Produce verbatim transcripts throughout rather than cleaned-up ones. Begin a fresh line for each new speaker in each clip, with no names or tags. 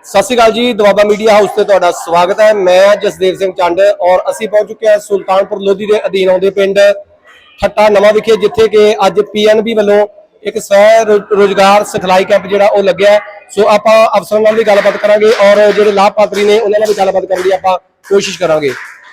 सत श्री अकाल जी, Doaba media house से तुहाडा स्वागत है। मैं जसदेव सिंह चंड और असी पहुंच चुके हैं सुल्तानपुर लोधी के अधीन आउंदे पिंड ठट्टा नवा विखे, जिथे कि अज पी एन बी वालों एक स्वै रोजगार सिखलाई कैंप जिहड़ा ओह लग्या है। सो आपां अफसरां नाल भी गलबात करांगे और जिहड़े लाभपात्री ने उन्हां नाल भी गलबात करन दी आपां कोशिश करांगे।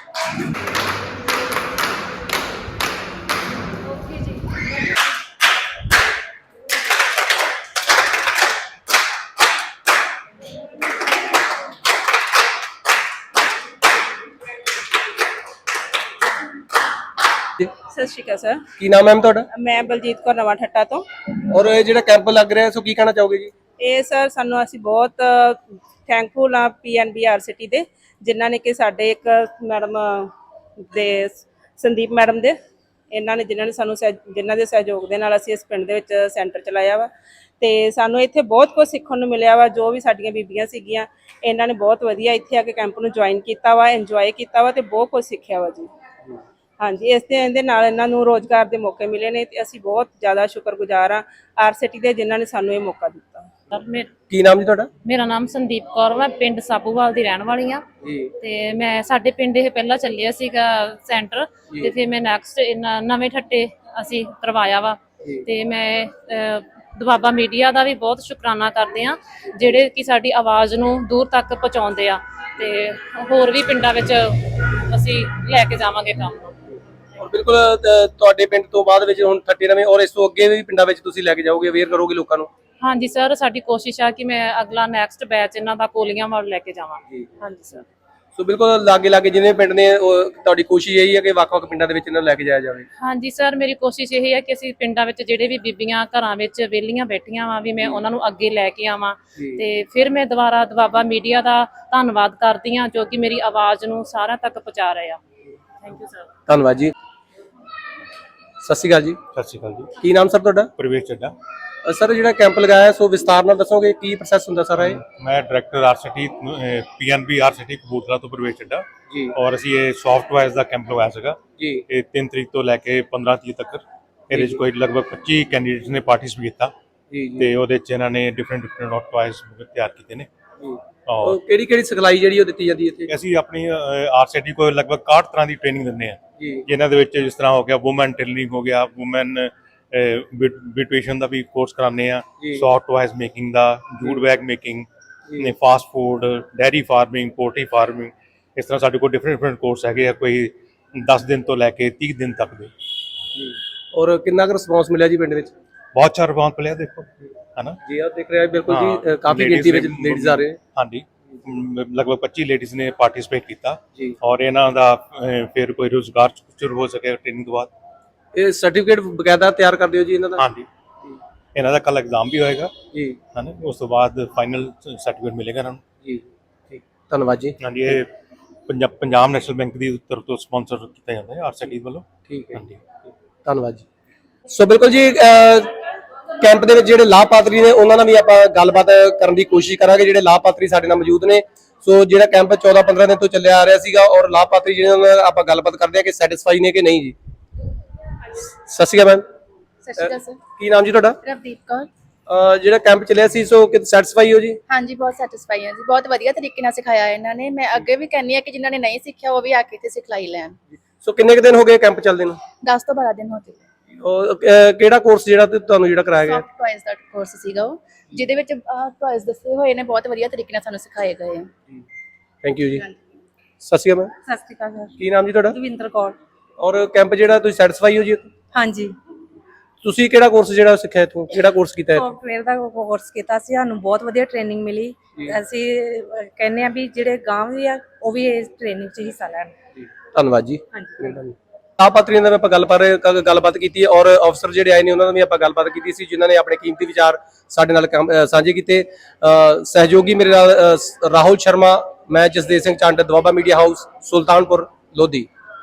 सत श्री अकाल सर,
की नाम है मैम तुहाडा?
मैं बलजीत कौर नवा ठट्टा तो।
और ये जिहड़ा कैंप लग रहा है सो की कहना चाहोगे जी?
ये सर सानू असी बहुत थैंकफुल हाँ P N B RSETI दे, जिन्हों ने कि साडे एक मैडम दे संदीप मैडम दे इन्होंने जिन्होंने सानू जिन्हों के सहयोग के नाल असी इस पिंड दे विच सेंटर चलाया वा ते सानू इत्थे बहुत कुछ सीखण नूं मिलिया वा। जो भी साडीआं बीबीआं सीगीआं इन्हां ने बहुत वधिया इत्थे आके कैंप नूं ज्वाइन कीता वा, इंजॉय कीता वा ते बहुत कुछ सीखिया वा जी। हाँ जी, इस दे नाल इन्हां नूं रोजगार के मौके मिले ने ते असीं बहुत ज़्यादा शुक्रगुजार हाँ आर सिटी दे जिन्हां ने सानू ये मौका दिता।
की नाम जी तुहाडा?
मेरा नाम संदीप कौर वा, पिंड साबूवाल दी रहण वाली हाँ ते मैं साडे पिंड ये पहला चलिया सीगा सेंटर ते फिर मैं नैक्सट नवे ठट्टे असीं करवाया वा ते मैं दुआबा मीडिया का भी बहुत शुकराना करते हैं जिहड़े कि साडी आवाज़ नूं दूर तक पहुँचाउंदे आ ते होर भी पिंडां विच असीं लैके जावांगे काम।
और बिल्कुल तुहाडे पिंड तो बाद विच हुण ठट्टे नवें और इस तो अगे भी पिंडां विच तुसीं लैके जाओगे, अवेयर करोगे लोकां नूं?
हाँ जी सर, साडी कोशिश है कि मैं अगला नैक्सट बैच इन्हां दा कोलियां वाल लैके जावां। हाँ जी सर।
सो बिल्कुल लागे लागे जिन्हें पिंड ने तुहाडी कोशिश यही है कि वक्-वक् पिंडां दे विच इन्हां नूं लैके जाया जावे।
हाँ जी सर, मेरी कोशिश यही है कि असीं पिंडां विच जिहड़े भी बीबीआं घरां विच वेलियां बैठियां वा भी मैं उन्हां नूं अगे लैके आवां ते फिर मैं दुबारा दुआबा मीडिया दा धन्नवाद करदी हां जो कि मेरी आवाज़ नूं सारिआं तक पहुंचा रहे आ। Thank you sir.
धन्नवाद जी। सत श्री अकाल जी।
सत श्री अकाल जी।
की नाम सर तुहाडा?
प्रवेश चड्डा।
सर जिहड़ा कैंप लगाया सो विस्तार नाल दसोगे की प्रोसैस हुंदा सारा? ये
मैं director RSETI P N B RSETI कबूतरा तो प्रवेश चड्डा
जी।
और असीं ये सॉफ्ट टॉयज़ का कैंप लगाया सीगा
जी।
ये तीन तरीक तो लैके पंद्रह तीह तक ਇਹਦੇ 'ਚ कोई लगभग पच्ची कैंਡੀਡੇਟਸ ने पार्टिसिपेट किया
जी जी।
ਤੇ ਉਹਦੇ 'ਚ ਇਹਨਾਂ ਨੇ डिफरेंट डिफरेंट टॉयज़ ਤਿਆਰ ਕੀਤੇ ਨੇ।
और ਕਿਹੜੀ ਕਿਹੜੀ ਸਿਖਲਾਈ ਜਿਹੜੀ ਉਹ ਦਿੱਤੀ ਜਾਂਦੀ ਇੱਥੇ?
ਅਸੀਂ ਆਪਣੀ ਆਰ ਸਿਟੀ ਕੋਲ ਲਗਭਗ ਇਕਾਹਠ ਤਰ੍ਹਾਂ ਦੀ ਟ੍ਰੇਨਿੰਗ ਦਿੰਦੇ ਆ
ਜੀ,
ਜਿਨ੍ਹਾਂ ਦੇ ਵਿੱਚ ਜਿਸ ਤਰ੍ਹਾਂ ਹੋ ਗਿਆ ਵੂਮਨ ਟੇਲਰਿੰਗ ਹੋ ਗਿਆ, ਵੂਮਨ ਬਿਊਟੀਸ਼ਨ ਦਾ ਵੀ ਕੋਰਸ ਕਰਾਉਂਦੇ ਆ, ਸੌਫਟ ਟॉयज़ ਮੇਕਿੰਗ ਦਾ, ਜੂਟ ਬੈਗ ਮੇਕਿੰਗ ਨੇ, fast food, dairy farming, poultry farming, ਇਸ ਤਰ੍ਹਾਂ ਸਾਡੇ ਕੋਲ ਡਿਫਰੈਂਟ ਡਿਫਰੈਂਟ ਕੋਰਸ ਹੈਗੇ ਆ, ਕੋਈ ਦਸ ਦਿਨ ਤੋਂ ਲੈ ਕੇ ਤੀਹ ਦਿਨ ਤੱਕ ਦੇ।
और कितना रिस्पॉन्स मिला जी पिंड विच?
बहुत अच्छा रिस्पॉन्स मिला देखो, है ना
जी आप देख रहे हैं बिल्कुल
हाँ,
जी काफी गिनती में लेडीज आ रहे हैं।
हाँ जी, लगभग पच्ची लेडीज ने पार्टिसिपेट किया
जी।
और इन्हां दा फिर कोई रोजगार शुरू हो सके ट्रेनिंग तो बाद।
ये सर्टिफिकेट बकायदा तैयार कर दियो जी इन्हां दा?
हाँ जी, इन्हां दा कल एग्जाम भी होएगा
जी,
है ना, उस तो बाद फाइनल सर्टिफिकेट मिलेगा इन्हां नूं
जी। ठीक, धन्यवाद जी।
हाँ जी, ये पंजाब पंजाब नैशनल बैंक की तरफ तो स्पॉन्सर किया जाता है आर सिटी वालों।
ठीक है
हाँ जी,
धन्यवाद जी। सो बिल्कुल जी कैंप दे विच जिहड़े लाभपात्री ने उन्हां नाल भी आपां गलबात करन दी कोशिश करांगे। जिहड़े लाभपात्री साडे नाल मौजूद ने, सो जिहड़ा कैंप चौदह पंद्रह दिन तो चलिया आ रहा सीगा और लाभपात्री जिहड़े नाल आपां गलबात करदे आ कि सैटिस्फाई ने कि नहीं जी। सत श्री अकाल मैम।
सत श्री अकाल सर।
की नाम जी तुहाडा?
रवदीप कौर।
ਜਿਹੜਾ ਕੈਂਪ ਚੱਲਿਆ ਸੀ ਸੋ ਕਿ ਸੈਟੀਸਫਾਈ ਹੋ ਜੀ?
हाँ जी, बहुत सैटिस्फाई है जी, बहुत ਵਧੀਆ ਤਰੀਕੇ ਨਾਲ ਸਿਖਾਇਆ ਇਹਨਾਂ ਨੇ। ਮੈਂ ਅੱਗੇ ਵੀ ਕਹਿੰਨੀ ਆ ਕਿ ਜਿਨ੍ਹਾਂ ਨੇ ਨਹੀਂ ਸਿੱਖਿਆ ਉਹ ਵੀ ਆ ਕੇ ਇੱਥੇ ਸਿਖਲਾਈ ਲੈਣ।
ਸੋ ਕਿੰਨੇ ਕੁ ਦਿਨ ਹੋ ਗਏ ਕੈਂਪ ਚੱਲਦੇ ਨੂੰ?
ਦਸ ਤੋਂ ਬਾਰਾਂ ਦਿਨ ਹੋ ਚੁੱਕੇ।
ਔਰ ਅਹ, ਕਿਹੜਾ ਕੋਰਸ ਜਿਹੜਾ ਤੇ ਤੁਹਾਨੂੰ ਜਿਹੜਾ ਕਰਾਇਆ ਗਿਆ?
ਸੌਫਟ ਟॉयਜ਼ ਦਾ ਕੋਰਸ ਸੀਗਾ ਉਹ, ਜਿਹਦੇ ਵਿੱਚ ਟॉयਜ਼ ਦੱਸੇ ਹੋਏ ਨੇ, ਬਹੁਤ ਵਧੀਆ ਤਰੀਕੇ ਨਾਲ ਸਾਨੂੰ ਸਿਖਾਏ ਗਏ ਆ।
ਥੈਂਕ ਯੂ ਜੀ। ਸਤਿ ਸ਼੍ਰੀ ਅਕਾਲ ਮੈਮ।
सत श्री अकाल सर।
ਕੀ ਨਾਮ ਜੀ ਤੁਹਾਡਾ?
ਦਵਿੰਦਰ ਕੌਰ।
ਔਰ ਕੈਂਪ ਜਿਹੜਾ ਤੁਸੀਂ ਸੈਟੀਸਫਾਈ ਹੋ ਜੀ?
हाँ जी,
ਤੁਸੀਂ ਕਿਹੜਾ ਕੋਰਸ ਜਿਹੜਾ ਸਿੱਖਿਆ ਇੱਥੋਂ, ਕਿਹੜਾ ਕੋਰਸ ਕੀਤਾ ਇੱਥੋਂ?
ਸੌਫਟਵੇਅਰ ਦਾ ਕੋਰਸ ਕੀਤਾ ਸੀ, ਸਾਨੂੰ ਬਹੁਤ ਵਧੀਆ ਟ੍ਰੇਨਿੰਗ ਮਿਲੀ। ਅਸੀਂ ਕਹਿੰਦੇ ਆ ਵੀ ਜਿਹੜੇ ਗਾਂਵ ਵੀ ਆ ਉਹ ਵੀ ਇਸ ਟ੍ਰੇਨਿੰਗ 'ਚ ਹਿੱਸਾ ਲੈਣ।
ਧੰਨਵਾਦ ਜੀ।
ਹਾਂਜੀ।
ਲਾਭਪਾਤਰੀਆਂ ਨਾਲ ਆਪਾਂ ਗੱਲ ਪਰ ਗੱਲਬਾਤ ਕੀਤੀ ਹੈ ਔਰ ਅਫਸਰ ਜਿਹੜੇ ਆਏ ਨੇ ਉਹਨਾਂ ਨਾਲ ਵੀ ਆਪਾਂ ਗੱਲਬਾਤ ਕੀਤੀ ਸੀ, ਜਿਨ੍ਹਾਂ ਨੇ ਆਪਣੇ ਕੀਮਤੀ ਵਿਚਾਰ ਸਾਡੇ ਨਾਲ ਸਾਂਝੇ ਕੀਤੇ। ਸਹਿਯੋਗੀ ਮੇਰੇ ਨਾਲ ਰਾਹੁਲ ਸ਼ਰਮਾ, ਮੈਂ ਜਸਦੇਵ ਸਿੰਘ ਚੰਡ, ਦੁਆਬਾ ਮੀਡੀਆ ਹਾਊਸ, ਸੁਲਤਾਨਪੁਰ ਲੋਧੀ।